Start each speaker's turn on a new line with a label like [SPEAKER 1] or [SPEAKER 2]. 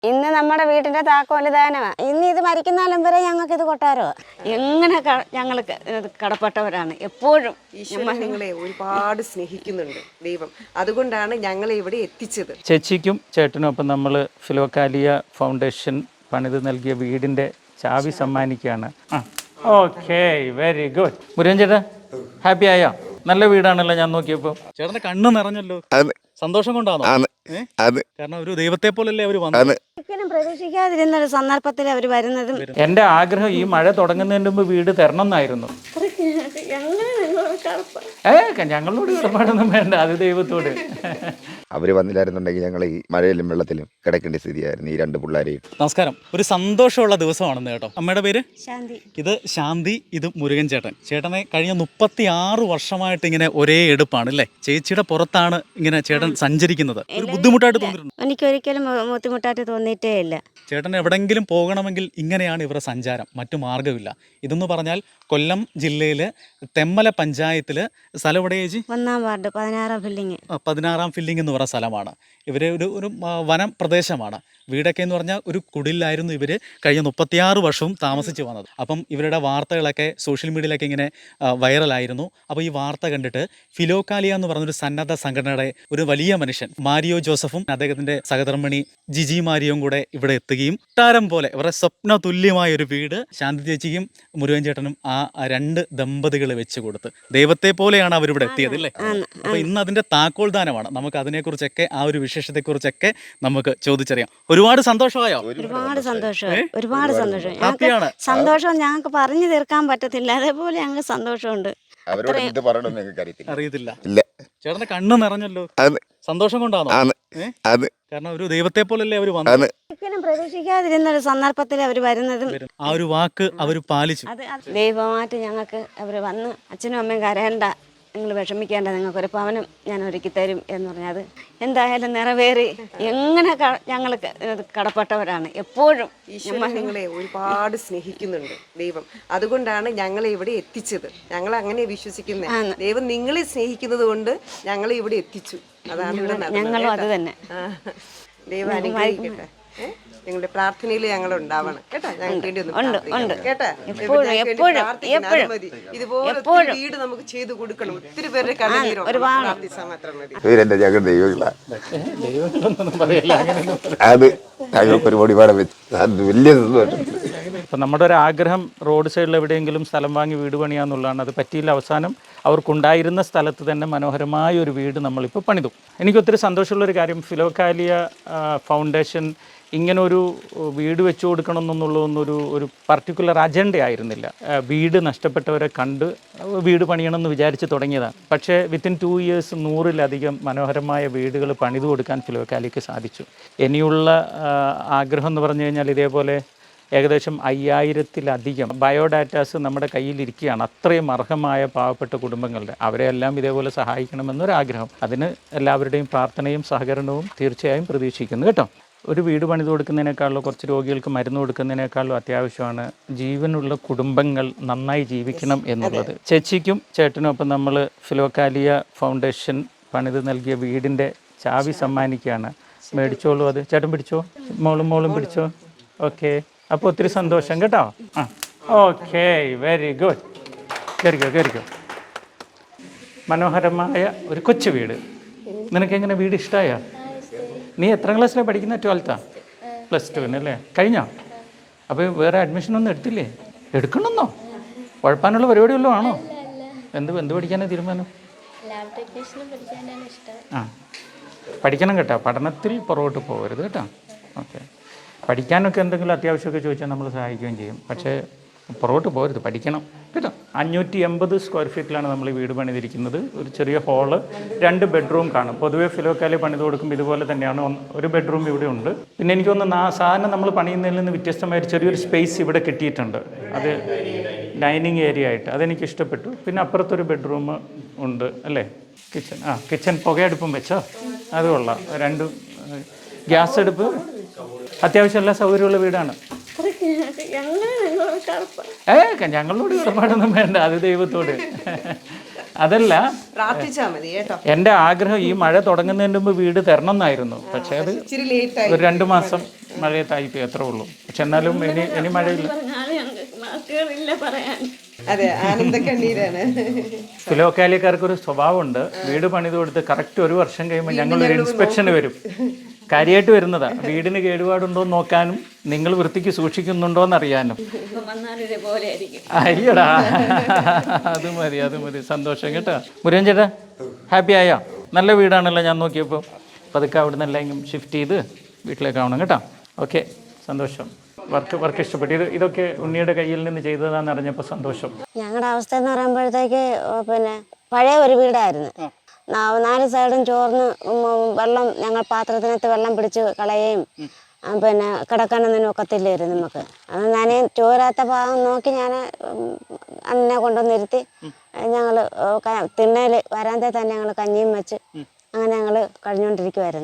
[SPEAKER 1] ഇന്ന് നമ്മുടെ വീട്ടിന്റെ താക്കോല് ദാനമാണ്. ഇന്ന് ഇത് മരിക്കുന്നാലും വരെ ഞങ്ങൾക്ക് ഇത് കൊട്ടാരോ. എങ്ങനെ ഞങ്ങൾ കടപ്പെട്ടവരാണ് എപ്പോഴും.
[SPEAKER 2] നിങ്ങളെ ഒരുപാട് സ്നേഹിക്കുന്നുണ്ട് ദൈവം, അതുകൊണ്ടാണ് ഞങ്ങളെ ഇവിടെ എത്തിച്ചത്.
[SPEAKER 3] ചേച്ചിക്കും ചേട്ടനും ഒപ്പം നമ്മൾ ഫിലോകാലിയ ഫൗണ്ടേഷൻ പണിത് നൽകിയ വീടിന്റെ ചാവി സമ്മാനിക്കുകയാണ്. Okay, very good. മുരുകൻ ചേട്ടാ, ഹാപ്പി ആയോ? നല്ല വീടാണല്ലോ ഞാൻ നോക്കിയപ്പോ. ചേട്ടന്റെ കണ്ണ് നിറഞ്ഞല്ലോ. സന്തോഷം കൊണ്ടാണോ? കാരണം ഒരു ദൈവത്തെ പോലല്ലേ അവര് വന്നത്.
[SPEAKER 1] ഒരിക്കലും പ്രതീക്ഷിക്കാതിരുന്ന ഒരു സന്ദർഭത്തിൽ അവർ വരുന്നതും.
[SPEAKER 3] എന്റെ ആഗ്രഹം ഈ മഴ തുടങ്ങുന്നതിന് മുമ്പ് വീട് തരണം എന്നായിരുന്നു. ഞങ്ങളോട് കടപ്പാടൊന്നും വേണ്ട, അത് ദൈവത്തോട്.
[SPEAKER 4] അവര് വന്നില്ലായിരുന്നുണ്ടെങ്കിൽ ഞങ്ങൾ ഈ മഴയിലും വെള്ളത്തിലും കിടക്കേണ്ട സ്ഥിതിയായിരുന്നു ഈ രണ്ട് പിള്ളേരെയും.
[SPEAKER 3] നമസ്കാരം. ഒരു സന്തോഷമുള്ള ദിവസമാണെന്ന് കേട്ടോ. അമ്മയുടെ പേര്
[SPEAKER 1] ശാന്തി.
[SPEAKER 3] ഇത് ശാന്തി, ഇത് മുരുകൻ ചേട്ടൻ. ചേട്ടനെ കഴിഞ്ഞ 36 വർഷമായിട്ട് ഇങ്ങനെ ഒരേ എടുപ്പാണ് അല്ലേ? ചേച്ചിയുടെ പുറത്താണ് ഇങ്ങനെ ചേട്ടൻ സഞ്ചരിക്കുന്നത്. ഒരു ബുദ്ധിമുട്ടായിട്ട് തോന്നിയിട്ടുണ്ട്?
[SPEAKER 1] എനിക്കൊരിക്കലും ബുദ്ധിമുട്ടായിട്ട് തോന്നിയിട്ടേ ഇല്ല.
[SPEAKER 3] ചേട്ടൻ എവിടെങ്കിലും പോകണമെങ്കിൽ ഇങ്ങനെയാണ് ഇവരുടെ സഞ്ചാരം, മറ്റു മാർഗ്ഗമില്ല. ഇതെന്ന് പറഞ്ഞാൽ കൊല്ലം ജില്ലയിൽ തെമ്മല പഞ്ചായത്തിൽ സ്ഥലം എവിടെ ചേച്ചി?
[SPEAKER 1] 1-ാം വാർഡ് 16-ാം ഫില്ലിങ്.
[SPEAKER 3] 16-ാം ഫില്ലിംഗ് എന്ന് പറയുന്ന സ്ഥലമാണ്. ഇവർ ഒരു വനം പ്രദേശമാണ്. വീടൊക്കെ എന്ന് പറഞ്ഞാൽ ഒരു കുടിലായിരുന്നു ഇവർ കഴിഞ്ഞ 36 വർഷവും താമസിച്ച് വന്നത്. അപ്പം ഇവരുടെ വാർത്തകളൊക്കെ സോഷ്യൽ മീഡിയയിലൊക്കെ ഇങ്ങനെ വൈറലായിരുന്നു. അപ്പോൾ ഈ വാർത്ത കണ്ടിട്ട് ഫിലോകാലിയ എന്ന് പറഞ്ഞൊരു സന്നദ്ധ സംഘടനയുടെ ഒരു വലിയ മനുഷ്യൻ മാരിയോ ജോസഫും അദ്ദേഹത്തിൻ്റെ സഹധർമ്മിണി ജിജി മാരിയോയും കൂടെ ഇവിടെ എത്തുകയും താരം പോലെ ഇവരുടെ സ്വപ്ന തുല്യമായ ഒരു വീട് ശാന്തി ചേച്ചിക്കും മുരുകൻ ചേട്ടനും ആ 2 ദമ്പതികൾ വെച്ച് കൊടുത്ത് ദൈവത്തെ പോലെയാണ് അവരിവിടെ എത്തിയത് അല്ലേ? അപ്പോൾ ഇന്ന് അതിൻ്റെ താക്കോൽ ദാനമാണ്. നമുക്ക് അതിനെക്കുറിച്ചൊക്കെ ആ ഒരു വിശേഷത്തെക്കുറിച്ചൊക്കെ നമുക്ക് ചോദിച്ചറിയാം. ഒരുപാട് സന്തോഷമായോ?
[SPEAKER 1] ഒരുപാട് സന്തോഷം, ഒരുപാട് സന്തോഷം. സന്തോഷം ഞങ്ങൾക്ക് പറഞ്ഞു തീർക്കാൻ പറ്റത്തില്ല, അതേപോലെ ഞങ്ങൾക്ക് സന്തോഷമുണ്ട്.
[SPEAKER 3] അറിയത്തില്ല. ചേട്ടന്റെ കണ്ണ് നിറഞ്ഞല്ലോ. സന്തോഷം കൊണ്ടാണോ? കാരണം ഒരു ദൈവത്തെ പോലല്ലേ അവര് വന്നത്.
[SPEAKER 1] ഒരിക്കലും പ്രതീക്ഷിക്കാതിരുന്ന ഒരു സന്ദർഭത്തിൽ അവർ വരുന്നതും.
[SPEAKER 3] ആ ഒരു വാക്ക് അവർ പാലിച്ചു.
[SPEAKER 1] ദൈവമായിട്ട് ഞങ്ങൾക്ക് അവർ വന്ന് അച്ഛനും അമ്മയും കരയണ്ട, നിങ്ങൾ വിഷമിക്കേണ്ട, നിങ്ങൾക്കൊരു ഭവനം ഞാൻ ഒരുക്കി തരും എന്ന് പറഞ്ഞത് എന്തായാലും നിറവേറി. എങ്ങനെ ഞങ്ങൾ കടപ്പെട്ടവരാണ് എപ്പോഴും.
[SPEAKER 2] നിങ്ങളെ ഒരുപാട് സ്നേഹിക്കുന്നുണ്ട് ദൈവം, അതുകൊണ്ടാണ് ഞങ്ങളെ ഇവിടെ എത്തിച്ചത്. ഞങ്ങൾ അങ്ങനെ വിശ്വസിക്കുന്നത്. ദൈവം നിങ്ങളെ സ്നേഹിക്കുന്നത് കൊണ്ട് ഞങ്ങളെ ഇവിടെ എത്തിച്ചു. അതാണ് ഇവിടെ
[SPEAKER 1] ഞങ്ങളും അത് തന്നെ.
[SPEAKER 2] ദൈവം അനുഗ്രഹിക്കട്ടെ. നിങ്ങളുടെ പ്രാർത്ഥനയിൽ ഞങ്ങൾ ഉണ്ടാവണം കേട്ടോ. ഞങ്ങൾക്ക് വേണ്ടി ഒന്ന് കേട്ടോ. ഇതുപോലെ വീട് നമുക്ക് ചെയ്തു കൊടുക്കണം. ഒത്തിരി പേരുടെ കണ്ണീരോ പ്രാർത്ഥിച്ചാൽ മാത്രം മതി.
[SPEAKER 3] ഇപ്പം നമ്മുടെ ഒരു ആഗ്രഹം റോഡ് സൈഡിൽ എവിടെയെങ്കിലും സ്ഥലം വാങ്ങി വീട് പണിയാന്നുള്ളതാണ്. അത് പറ്റിയില്ല. അവസാനം അവർക്കുണ്ടായിരുന്ന സ്ഥലത്ത് തന്നെ മനോഹരമായ ഒരു വീട് നമ്മളിപ്പോൾ പണിതു. എനിക്കൊത്തിരി സന്തോഷമുള്ളൊരു കാര്യം, ഫിലോകാലിയ ഫൗണ്ടേഷൻ ഇങ്ങനൊരു വീട് വെച്ചു കൊടുക്കണം ഒരു പർട്ടിക്കുലർ അജണ്ട ആയിരുന്നില്ല. വീട് നഷ്ടപ്പെട്ടവരെ കണ്ട് വീട് പണിയണമെന്ന് വിചാരിച്ച് തുടങ്ങിയതാണ്. പക്ഷേ വിത്തിൻ 2 ഇയേഴ്സ് 100-ലധികം മനോഹരമായ വീടുകൾ പണിതു കൊടുക്കാൻ ഫിലോകാലിയക്ക് സാധിച്ചു. ഇനിയുള്ള ആഗ്രഹം എന്ന് പറഞ്ഞു കഴിഞ്ഞാൽ ഇതേപോലെ ഏകദേശം 5000-ലധികം ബയോഡാറ്റാസ് നമ്മുടെ കയ്യിലിരിക്കുകയാണ്. അത്രയും അർഹമായ പാവപ്പെട്ട കുടുംബങ്ങളുടെ, അവരെല്ലാം ഇതേപോലെ സഹായിക്കണമെന്നൊരാഗ്രഹം. അതിന് എല്ലാവരുടെയും പ്രാർത്ഥനയും സഹകരണവും തീർച്ചയായും പ്രതീക്ഷിക്കുന്നു കേട്ടോ. ഒരു വീട് പണിത് കൊടുക്കുന്നതിനേക്കാളും കുറച്ച് രോഗികൾക്ക് മരുന്ന് കൊടുക്കുന്നതിനേക്കാളും അത്യാവശ്യമാണ് ജീവനുള്ള കുടുംബങ്ങൾ നന്നായി ജീവിക്കണം എന്നുള്ളത്. ചേച്ചിക്കും ചേട്ടനും ഒപ്പം നമ്മൾ ഫിലോകാലിയ ഫൗണ്ടേഷൻ പണിത് നൽകിയ വീടിൻ്റെ ചാവി സമ്മാനിക്കുകയാണ്. മേടിച്ചോളൂ. അത് ചേട്ടൻ പിടിച്ചോ, മോളും പിടിച്ചോ. ഓക്കെ, അപ്പോൾ ഒത്തിരി സന്തോഷം കേട്ടോ. Okay, very good. കയറിക്കോ. മനോഹരമായ ഒരു കൊച്ചു വീട്. നിനക്കെങ്ങനെ വീട് ഇഷ്ടമായോ? നീ എത്രാം ക്ലാസ്സിലാണ് പഠിക്കുന്നത്? 12th +2 അല്ലേ? കഴിഞ്ഞോ? അപ്പോൾ വേറെ അഡ്മിഷനൊന്നും എടുത്തില്ലേ? എടുക്കണമെന്നോ? കുഴപ്പമുള്ള പരിപാടി വല്ലതും ആണോ? എന്ത് പഠിക്കാനാണ് തീരുമാനം? പഠിക്കണം കേട്ടോ. പഠനത്തിൽ പുറകോട്ട് പോകരുത് കേട്ടോ. ഓക്കെ, പഠിക്കാനൊക്കെ എന്തെങ്കിലും അത്യാവശ്യമൊക്കെ ചോദിച്ചാൽ നമ്മൾ സഹായിക്കുകയും ചെയ്യും. പക്ഷേ പുറകോട്ട് പോകരുത്, പഠിക്കണം കേട്ടോ. 580 സ്ക്വയർ ഫീറ്റിലാണ് നമ്മൾ ഈ വീട് പണിതിരിക്കുന്നത്. ഒരു ചെറിയ ഹാള്, 2 ബെഡ്റൂം കാണും. പൊതുവേ ഫിലോകാലിയ പണിത് കൊടുക്കുമ്പോൾ ഇതുപോലെ തന്നെയാണ്. ഒരു ബെഡ്റൂം ഇവിടെ ഉണ്ട്. പിന്നെ എനിക്ക് തോന്നുന്നു സാധാരണ നമ്മൾ പണിയുന്നതിൽ നിന്ന് വ്യത്യസ്തമായ ചെറിയൊരു സ്പേസ് ഇവിടെ കിട്ടിയിട്ടുണ്ട്. അത് ഡൈനിങ് ഏരിയ ആയിട്ട് അതെനിക്ക് ഇഷ്ടപ്പെട്ടു. പിന്നെ അപ്പുറത്തൊരു ബെഡ്റൂം ഉണ്ട് അല്ലേ? കിച്ചൺ പുകയടുപ്പും വെച്ചോ? അത് കൊള്ളാം. 2 ഗ്യാസ് അടുപ്പ്, അത്യാവശ്യം എല്ലാ സൗകര്യമുള്ള വീടാണ്. ഞങ്ങളോട് കടപ്പാടൊന്നും വേണ്ട, അത് ദൈവത്തോട്. അതല്ല, എൻ്റെ ആഗ്രഹം ഈ മഴ തുടങ്ങുന്നതിന് മുമ്പ് വീട് തരണം എന്നായിരുന്നു. പക്ഷേ അത് ഒരു 2 മാസം മഴയത്തായിപ്പോയി, അത്രേ ഉള്ളൂ. പക്ഷെ എന്നാലും ഇനി മഴയില്ല.
[SPEAKER 1] പറഞ്ഞാലും ഞങ്ങൾക്ക് വാക്കുകളില്ല പറയാൻ.
[SPEAKER 2] അതെ, ആനന്ദ കണ്ണീരാണ്.
[SPEAKER 3] ഫിലോക്കാലിയക്കാർക്ക് ഒരു സ്വഭാവമുണ്ട്, വീട് പണിത് കൊടുത്ത് കറക്റ്റ് 1 വർഷം കഴിയുമ്പോൾ ഞങ്ങളൊരു ഇൻസ്പെക്ഷന് വരും. കാര്യമായിട്ട് വരുന്നതാ, വീടിന് കേടുപാടുണ്ടോ എന്ന് നോക്കാനും നിങ്ങൾ വൃത്തിക്ക് സൂക്ഷിക്കുന്നുണ്ടോ എന്ന് അറിയാനും. അയ്യടാ, അത് മതി, സന്തോഷം കേട്ടോ. മുരുകൻ ചേട്ടാ ഹാപ്പി ആയോ? നല്ല വീടാണല്ലോ ഞാൻ നോക്കിയപ്പോൾ. പതുക്കെ അവിടെ നിന്ന് എല്ലാം ഷിഫ്റ്റ് ചെയ്ത് വീട്ടിലേക്കാവണം കേട്ടോ. ഓക്കെ, സന്തോഷം. വർക്ക് ഇഷ്ടപ്പെട്ടു. ഇതൊക്കെ ഉണ്ണിയുടെ കയ്യിൽ നിന്ന് ചെയ്തതാന്ന് അറിഞ്ഞപ്പോൾ സന്തോഷം.
[SPEAKER 1] ഞങ്ങളുടെ അവസ്ഥ എന്ന് പറയുമ്പോഴത്തേക്ക് പിന്നെ പഴയ ഒരു വീടായിരുന്നു. 4 സൈഡും ചോർന്ന് വെള്ളം, ഞങ്ങൾ പാത്രത്തിനകത്ത് വെള്ളം പിടിച്ച് കളയുകയും പിന്നെ കിടക്കാനൊന്നും ഒക്കത്തില്ലായിരുന്നു നമുക്ക്. അത് ഞാൻ ചോരാത്ത ഭാഗം നോക്കി ഞാൻ അന്നെ കൊണ്ടുവന്നിരുത്തി ഞങ്ങൾ തിണ്ണയിൽ വരാന്തേ തന്നെ ഞങ്ങൾ കഞ്ഞിയും വെച്ച് അങ്ങനെ ഞങ്ങൾ കഴിഞ്ഞുകൊണ്ടിരിക്കുമായിരുന്നു.